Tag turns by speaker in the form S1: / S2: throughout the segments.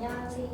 S1: 안녕하세요.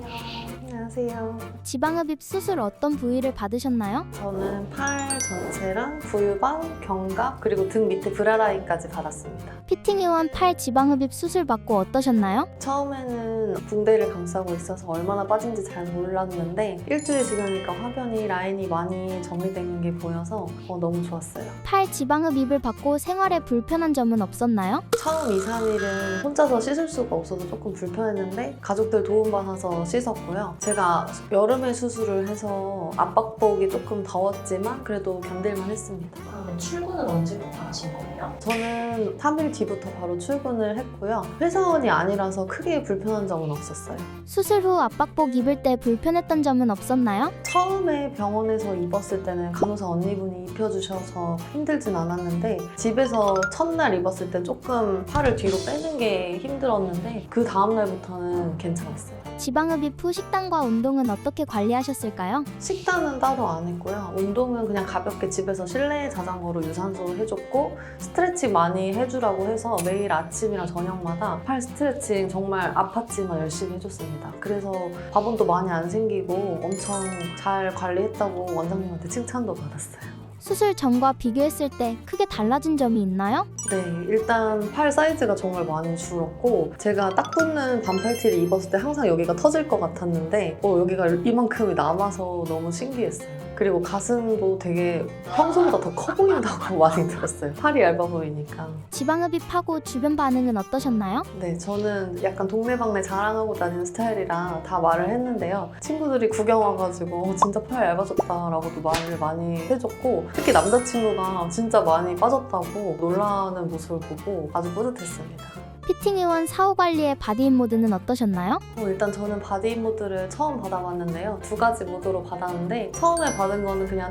S2: 안녕하세요.
S3: 지방흡입 수술 어떤 부위를 받으셨나요?
S2: 저는 팔 전체랑 부유방, 견갑, 그리고 등 밑에 브라라인까지 받았습니다.
S3: 피팅의원 팔 지방흡입 수술 받고 어떠셨나요?
S2: 처음에는 붕대를 감싸고 있어서 얼마나 빠진지 잘 몰랐는데 일주일 지나니까 화변이 라인이 많이 정리된 게 보여서 너무 좋았어요.
S3: 팔 지방흡입을 받고 생활에 불편한 점은 없었나요?
S2: 처음 2, 3일은 혼자서 씻을 수가 없어서 조금 불편했는데 가족들 도움받아서 씻었고요. 제가 여름에 수술을 해서 압박복이 조금 더웠지만 그래도 견딜만 했습니다.
S1: 그러면 출근은 언제부터 하신 거예요?
S2: 저는 3일 뒤부터 바로 출근을 했고요. 회사원이 아니라서 크게 불편한 점은 없었어요.
S3: 수술 후 압박복 입을 때 불편했던 점은 없었나요?
S2: 처음에 병원에서 입었을 때는 간호사 언니분이 입혀주셔서 힘들진 않았는데 집에서 첫날 입었을 때 조금 팔을 뒤로 빼는 게 힘들었는데 그 다음날부터는 괜찮았어요.
S3: 지방흡입 후 식단과 운동은 어떻게 관리하셨을까요?
S2: 식단은 따로 안 했고요. 운동은 그냥 가볍게 집에서 실내 자전거로 유산소 해줬고 스트레칭 많이 해주라고 해서 매일 아침이랑 저녁마다 팔 스트레칭 정말 아팠지만 열심히 해줬습니다. 그래서 밥원도 많이 안 생기고 엄청 잘 관리했다고 원장님한테 칭찬도 받았어요.
S3: 수술 전과 비교했을 때 크게 달라진 점이 있나요?
S2: 네, 일단 팔 사이즈가 정말 많이 줄었고 제가 딱 붙는 반팔티를 입었을 때 항상 여기가 터질 것 같았는데 여기가 이만큼이 남아서 너무 신기했어요. 그리고 가슴도 되게 평소보다 더 커 보인다고 많이 들었어요. 팔이 얇아 보이니까.
S3: 지방흡입하고 주변 반응은 어떠셨나요?
S2: 네, 저는 약간 동네방네 자랑하고 다니는 스타일이라 다 말을 했는데요. 친구들이 구경 와가지고 진짜 팔 얇아졌다라고도 말을 많이 해줬고 특히 남자친구가 진짜 많이 빠졌다고 놀라는 모습을 보고 아주 뿌듯했습니다.
S3: 피팅의원 사후 관리의 바디인 모드는 어떠셨나요?
S2: 일단 저는 바디 모드를 처음 받아봤는데요. 2가지 모드로 받았는데 처음에 받은 거는 그냥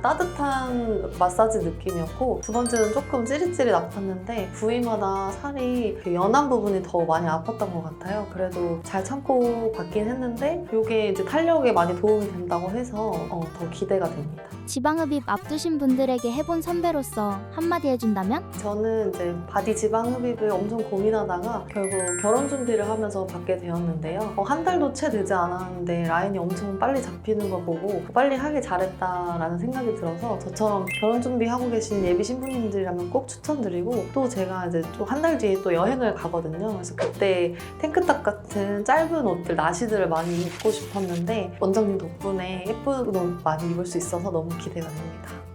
S2: 따뜻한 마사지 느낌이었고 두 번째는 조금 찌릿찌릿 아팠는데 부위마다 살이 연한 부분이 더 많이 아팠던 것 같아요. 그래도 잘 참고 받긴 했는데 이게 이제 탄력에 많이 도움이 된다고 해서 더 기대가 됩니다.
S3: 지방흡입 앞두신 분들에게 해본 선배로서 한마디 해준다면?
S2: 저는 이제 바디 지방 흡입을 엄청 고민하다가 결국 결혼 준비를 하면서 받게 되었는데요. 한 달도 채 되지 않았는데 라인이 엄청 빨리 잡히는 거 보고 빨리 하길 잘했다라는 생각이 들어서 저처럼 결혼 준비하고 계신 예비 신부님들이라면 꼭 추천드리고 또 제가 이제 또 한 달 뒤에 또 여행을 가거든요. 그래서 그때 탱크탑 같은 짧은 옷들, 나시들을 많이 입고 싶었는데 원장님 덕분에 예쁜 옷 많이 입을 수 있어서 너무 기대가 됩니다.